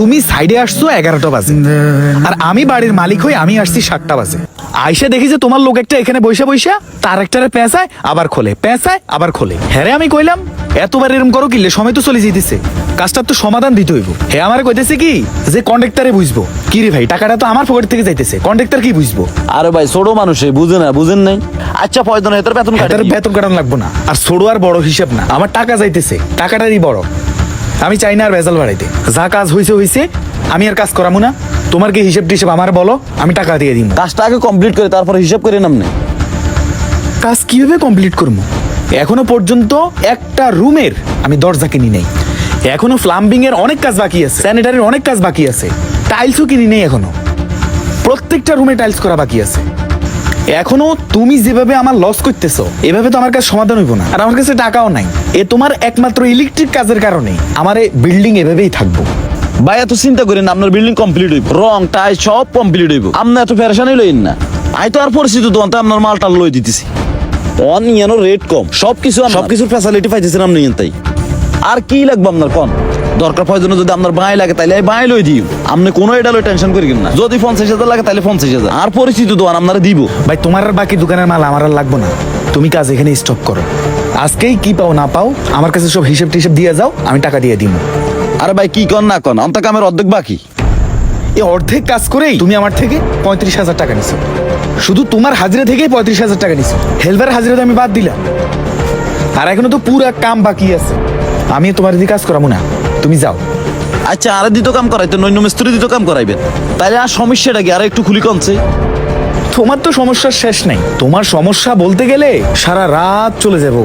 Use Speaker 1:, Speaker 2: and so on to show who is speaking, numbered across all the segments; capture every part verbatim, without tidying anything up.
Speaker 1: তুমি সাইডে আসছো এগারোটা বাজে, আর আমি বাড়ির মালিক হই আমি আসছি সাতটা বাজে। আইসা দেখি যে তোমার লোক একটা এখানে বৈশা বৈশা তার একটারে পেঁচায় আবার খোলে, পেঁচায় আবার খোলে। হ্যাঁ আমি কইলাম এতবার এরম করো কিলে, সময় তো চলে যেতেছে, কাজটার তো সমাধান দিতে হইব। হ্যাঁ আমারে কইতেছে কি যে কন্ডাক্টরে বুঝবো। কি রে ভাই, টাকাটা তো আমার পকেট থেকে যাইতেছে, কন্ডাক্টর কি বুঝবো?
Speaker 2: আরে ভাই ছোট মানুষ বুঝে না, বুঝেন নাই। আচ্ছা পয়দন এটার বেতন কাটে,
Speaker 1: এটার বেতন কাটানো লাগবো না, আর ছোট আর বড় হিসাব না, আমার টাকা যাইতেছে, টাকাটারই বড়। আমি চাই না আর ভেজাল বাড়াইতে, যা কাজ হইছে হইছে, আমি আর কাজ করামু না। তোমার কি হিসাব টিসাব আমার বলো, আমি টাকা দিয়ে দিব।
Speaker 2: কাজটা আগে কমপ্লিট করে তারপরে হিসাব করে নাম নেই।
Speaker 1: কাজ কিভাবে কমপ্লিট করবো? এখনো পর্যন্ত একটা রুমের আমি দরজা কিনি নেই, এখনো প্লাম্বিং এর অনেক কাজ বাকি আছে, স্যানিটারির অনেক কাজ বাকি আছে, টাইলসও কিনি নেই এখনো, প্রত্যেকটা রুমে টাইলস করা বাকি আছে। এখনো তুমি যেভাবে আমার লস করতেছো এভাবে তো আমার কাছে সমাধান হইব না, আর আমার কাছে টাকাও নাই। এ তোমার একমাত্র ইলেকট্রিক কাজের কারণে আমার এই বিল্ডিং এভাবেই থাকবো।
Speaker 2: ভাই এত চিন্তা করেন না, আপনার বিল্ডিং কমপ্লিট হইব, রং টাই সব কমপ্লিট হইব, আপনি এত ফেরেশানি লইন না। আই তো আর পরিচিত দোকান তো আপনার মালটা লই দিতেছি, অন ইয়ানো রেট কম, সবকিছু সবকিছুর ফ্যাসিলিটি পাইতেছেন আপনি তাই। আর কি লাগবে আপনার কোন দরকার প্রয়োজন? যদি আপনার বাঁই লাগে তাইলে বাঁই লই দিও, আপনি কোনো এটা লই টেনশন করিবেন না। যদি পঞ্চাশ হাজার লাগে তাহলে পঞ্চাশ হাজার, আর পরিচিত দোকান আপনারা দিব।
Speaker 1: ভাই তোমার আর বাকি দোকানের মাল আমার আর লাগবো না, তুমি কাজ এখানে স্টপ করো। আজকেই কি পাও না পাও আমার কাছে সব হিসেব টিসেব দিয়ে যাও, আমি টাকা দিয়ে দিব।
Speaker 2: আরে ভাই কি কন না কন, অন্ত কামের অর্ধেক বাকি।
Speaker 1: এই অর্ধেক কাজ করেই তুমি আমার থেকে পঁয়ত্রিশ হাজার টাকা নিছো, শুধু তোমার হাজিরা থেকেই পঁয়ত্রিশ হাজার টাকা নিছো, হেলপার হাজিরা তো আমি বাদ দিলাম, আর এখনো তো পুরা কাম বাকি আছে। আমি তোমার দিকে কাজ করাবো না, তুমি যাও।
Speaker 2: আচ্ছা আরে দিত কাম করাইতে নৈন্য মিস্ত্রি দিত কাম করাইবেন, তাইলে আর সমস্যাটা কি আর একটু খুলি কমছে?
Speaker 1: তোমার তো সমস্যার শেষ নাই, তোমার সমস্যা বলতে গেলে সারা রাত চলে যাবো।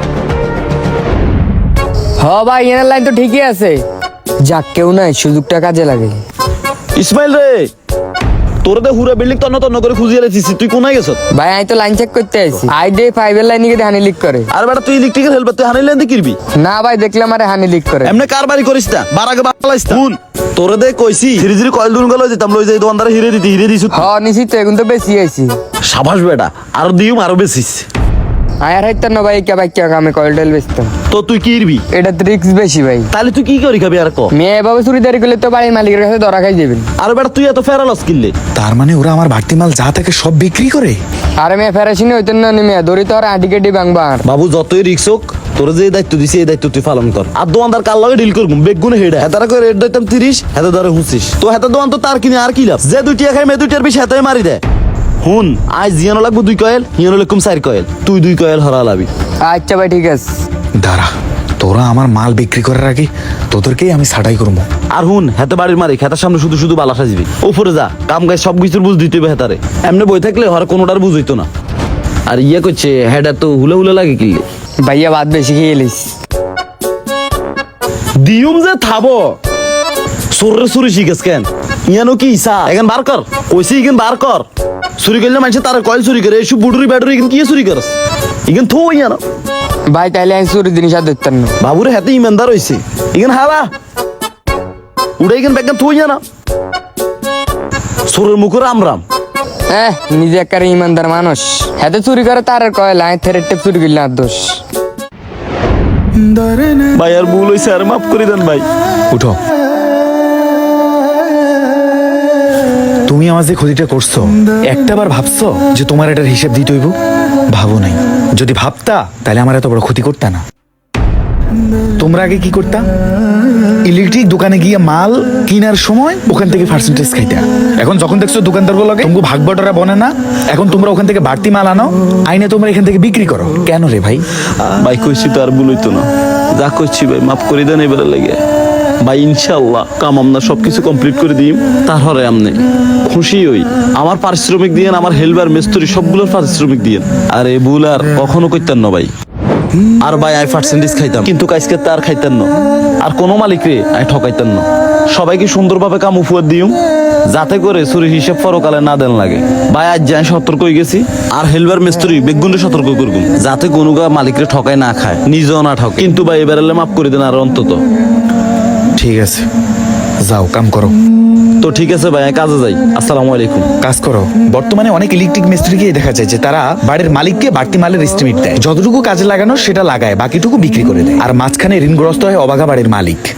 Speaker 3: হ ভাই এনার লাইন তো ঠিকই আছে, যাক কেউ নাই সুযোগটা কাজে লাগে।
Speaker 2: ইসমাইল রে, তোর দে হুরা বিল্ডিং তন্ন তন্ন করে খুঁজিয়ে লেছিস, তুই কোনায় গেছ?
Speaker 3: ভাই আমি তো লাইন চেক করতে আইছি, আই ডে ফাইভের লাইনে গিয়ে হানি লিক করে।
Speaker 2: আর বেটা তুই ইলেকট্রিকের হেল্পার, তুই হানি লাইন কিরবি?
Speaker 3: না ভাই দেখলাম আরে হানি লিক করে।
Speaker 2: এমনি কারবারি করিস না, বার আগে বাড়াইস না। শুন তোরে দে কইছি ধীরে ধীরে কয়েল দুন গেল দিতাম, লই যাই দোকানদারে হিরে দিতে হিরে দিছু।
Speaker 3: হ নিছি তো, এখন তো বেশি আইছি।
Speaker 2: সাবাস বেটা, আরো দিউম আরো বেশিস।
Speaker 3: আয়ার হাইতার না ভাই কে ভাই কে আমি কয়েল টেল বেচতাম।
Speaker 2: তো তুই কি ইরবি?
Speaker 3: এটা রিস্ক বেশি ভাই।
Speaker 2: তাহলে তুই কি করি খাবি আর ক?
Speaker 3: মেয়ে এভাবে চুরিদারি করলে তো বাড়ির মালিকের কাছে ধরা খাই যাবেন।
Speaker 2: আর বেটা তুই এত ফেরালস কিনলে?
Speaker 1: তার মানে ওরা আমার বাড়তি মাল যা থাকে সব বিক্রি করে?
Speaker 3: আরে মেয়ে ফেরাসিনি হইতেন না, মেয়ে দড়ি তো আর আটি কেটি ভাঙবার।
Speaker 2: বাবু যতই রিক্স হোক, তোর যে দায়িত্ব দিছি এই দায়িত্ব তুই পালন কর। আর দোকানদার কার লগে ডিল করবো বেগুনে হেডা হেতারা করে রেট দিতাম তিরিশ, হেতে ধরে হুঁচিস। তো হেতার দোকান তো তার কিনে আর কি লাভ? যে দুইটিয়া খাই মে দুইটার বেশি হেতাই মারি দেয়। হুন আজ জিয়ানো লাগবো দুই কয়েল, হিয়ানো লাগকুম চার কয়েল, তুই দুই কয়েল হরা লাবি।
Speaker 3: আচ্ছা ভাই ঠিক আছে।
Speaker 1: দাঁড়া, তোরা আমার মাল বিক্রি করার আগে তোদেরকেই আমি ছাটাই করবো।
Speaker 2: আর হুন হেতে বাড়ির মারি হেতার সামনে শুধু শুধু বালা সাজবি, উপরে যা কাম গাছ সব কিছুর বুঝ দিতে হবে হেতারে। এমনি বই থাকলে হর কোনোটার বুঝ হইতো না। আর ইয়ে করছে হেডা তো হুলে হুলে লাগে কিনলে।
Speaker 3: ভাইয়া ভাত বেশি খেয়ে এলিস।
Speaker 2: দিউম যে থাবো সরে সুরি শিখেস কেন? ইয়ানো কি ইসা এখন বার কর, কইছি ইগেন বার কর। চুরি করলে মানুষ তার কয়েল চুরি করে, এসব বুডুরি ব্যাডুরি ইগেন কি চুরি করস? ইগেন থো ইয়ানো
Speaker 3: ভাই তাইলে আমি চুরি জিনিস আর ধরতেন না।
Speaker 2: বাবুরে হাতে ইমানদার হইছে, ইগেন হালা উড়ে ইগেন বেগেন থো ইয়ানো সরের মুখে রাম রাম।
Speaker 3: হ্যাঁ নিজে একারে ইমানদার মানুষ, হাতে চুরি করে তার আর কয় লাইন থেরে টেপ চুরি করলে আর দোষ।
Speaker 2: ভাই আর ভুল হইছে, আর মাফ করে দেন ভাই।
Speaker 1: উঠো, তুমি আমার যে ক্ষতিটা করছো একটাবার ভাবছো যে তোমার এটার হিসেব দিতে হইব? ভাবো নাই। যদি ভাবতা তাহলে আমার এত বড় ক্ষতি করতা না। তোমরা আগে কি করতা? ইলেকট্রিক দোকানে গিয়ে মাল কেনার সময় ওখান থেকে পার্সেন্টেজ খাইতা। এখন যখন দেখছো দোকানদার গুলো তোমাকে ভাগ বটরা বনে না, এখন তোমরা ওখান থেকে বাড়তি মাল আনো, আইনে তোমরা এখান থেকে বিক্রি করো। কেন রে ভাই?
Speaker 2: ভাই কইছি তো আর ভুল হইতো না, যা করছি ভাই মাফ করে দেন এবারে লেগে। ভাই ইনশাআল্লাহ কাম আমরা সবকিছু কমপ্লিট করে দিই, তারপরে আমনে খুশি হই। আমার পারিশ্রমিক দিয়েন, আমার হেলবার মিস্ত্রি সবগুলোর পারিশ্রমিক দিয়েন। আর এই ভুল আর কখনো করতেন না ভাই। আর ভাই আই পার্সেন্টেজ খাইতাম, কিন্তু কাজকে তার খাইতেন না, আর কোনো মালিক রে আই ঠকাইতেন না। সবাইকে সুন্দরভাবে কাম উপহার দিও, যাতে করে চুরি হিসেব পরকালে না দেন লাগে। ভাই আজ যাই সতর্ক হয়ে গেছি, আর হেলবার মিস্ত্রি বেগুনে সতর্ক করবো, যাতে কোনো মালিকরে ঠকায় না খায়, নিজেও না ঠক। কিন্তু ভাই এবার মাফ করে দেন আর অন্তত।
Speaker 1: ঠিক আছে, যাও কাম করো।
Speaker 2: তো ঠিক আছে ভাই কাজে যাই, আসসালামু আলাইকুম।
Speaker 1: কাজ করো। বর্তমানে অনেক ইলেকট্রিক মিস্ত্রিকে দেখা যায় যে তারা বাড়ির মালিককে বাড়তি মালের এস্টিমেট দেয়, যতটুকু কাজে লাগানো সেটা লাগায়, বাকিটুকু বিক্রি করে দেয়, আর মাঝখানে ঋণগ্রস্ত হয় অবাগা বাড়ির মালিক।